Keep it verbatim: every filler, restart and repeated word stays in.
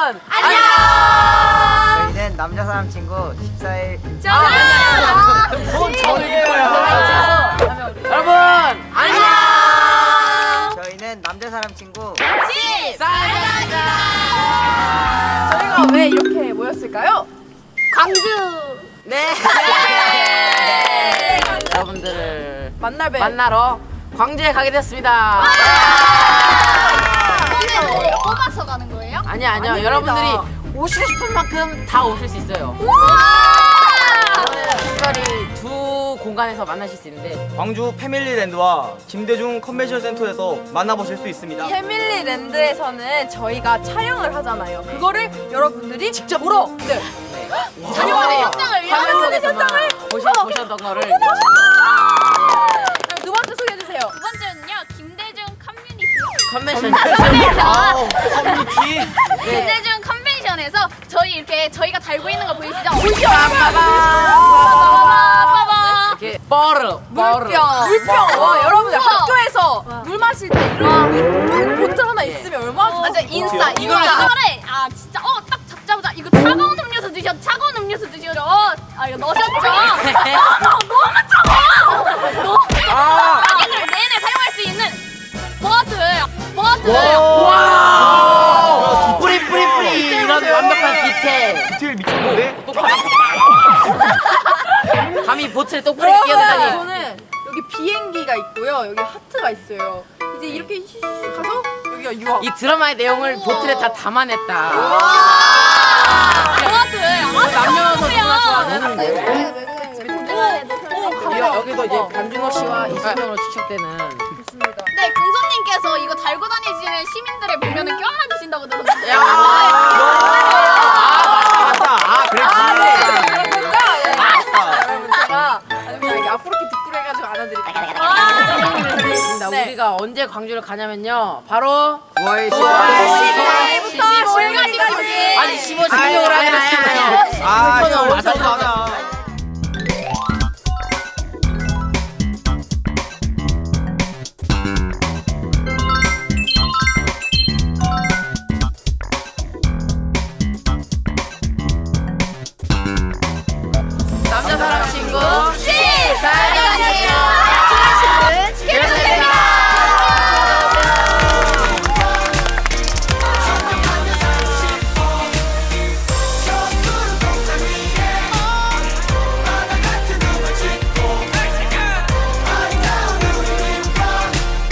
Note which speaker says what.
Speaker 1: 안녕.
Speaker 2: 저희는 남자 사람 친구 십사 일.
Speaker 1: 자,
Speaker 3: 뭔 저리예요.
Speaker 1: 여러분 안녕.
Speaker 2: 저희는 남자 사람 친구
Speaker 1: 사랑합니다.
Speaker 4: 저희가 왜 이렇게 모였을까요?
Speaker 1: 광주. 네.
Speaker 4: 네.
Speaker 1: 여러분들을
Speaker 4: 만날 배
Speaker 1: 만나러 광주에 가게 됐습니다.
Speaker 5: 저희가 뽑아서 가는 거예요?
Speaker 1: 아니 아니요.
Speaker 4: 아닙니다.
Speaker 1: 여러분들이 오시고 싶은 만큼 다 오실 수 있어요. 저는 특별히 두 공간에서 만나실 수 있는데
Speaker 3: 광주 패밀리랜드와 김대중 컨벤션 센터에서 만나보실 수 있습니다.
Speaker 4: 패밀리랜드에서는 저희가 촬영을 하잖아요. 그거를 여러분들이 직접 보러 네.
Speaker 1: 촬영하는
Speaker 5: 현장을
Speaker 1: 화면
Speaker 4: 촬영하는
Speaker 1: 속에서만
Speaker 4: 현장을
Speaker 1: 보시,
Speaker 4: 어.
Speaker 1: 보셨던 거를
Speaker 4: 그럼 두 번째 소개해 주세요.
Speaker 5: 두 번째는요, 김대중
Speaker 1: 컨벤션
Speaker 5: 커뮤니티.
Speaker 3: 아우, 커뮤니티.
Speaker 5: 김대중 컨벤션에서 저희 이렇게 저희가 달고 있는 거 보이시죠?
Speaker 1: 빠바바 이렇게 뻘르
Speaker 4: 물병, 물병. 와, 여러분들 학교에서 물 마실 때 이런 물 보틀 하나 있으면 얼마나 좋아.
Speaker 5: 완전 인싸,
Speaker 1: 이거
Speaker 5: 인싸래. 아 진짜 어 딱 잡자마자 이거 차가운 음료수 드셔, 차가운 음료수 드시죠. 어, 아 이거 넣으셨죠? 어, 너무 차가워. 너무
Speaker 3: 아.
Speaker 5: 자기들 내내 사용할 수 있는 버틀, 버틀.
Speaker 1: 와 뿌리 뿌리 뿌리 이런 완벽한 디테일
Speaker 3: 디테일 미쳤는데?
Speaker 1: 감히 보트에 똑뿌리
Speaker 4: 여러분,
Speaker 1: 끼어들다니.
Speaker 4: 저는 여기 비행기가 있고요. 여기 하트가 있어요. 이제 이렇게 휘 가서 여기가 유학.
Speaker 1: 이 드라마의 내용을 보트에 다 담아냈다.
Speaker 5: 버틀.
Speaker 1: 남녀노소 누구나 좋아하는
Speaker 4: 오,
Speaker 1: 여- 여기도 이제 반준호 씨와 이순영으로 추측되는
Speaker 4: 좋습니다.
Speaker 5: 네, 금손님께서 이거 달고 다니시는 시민들을 보면은 껴안아주신다고 들었는데.
Speaker 1: 야.
Speaker 3: 아, 맞다. 아, 그랬지.
Speaker 4: 그렇군요. 네, 알겠습니다. 여러분 제가 아주 그냥 이렇게 앞으로 이렇게 뒷구리 해가지고 안아드릴게요.
Speaker 1: 있습니다.
Speaker 4: 네.
Speaker 1: 우리가 언제 광주를 가냐면요. 바로
Speaker 2: 구월
Speaker 4: 십오 일부터
Speaker 5: 십오일까지.
Speaker 1: 아니 십오, 십육으로 하잖아요.
Speaker 3: 아,
Speaker 1: 슈퍼는
Speaker 3: 이거
Speaker 1: 맞춰서
Speaker 3: 맞춰서 하자.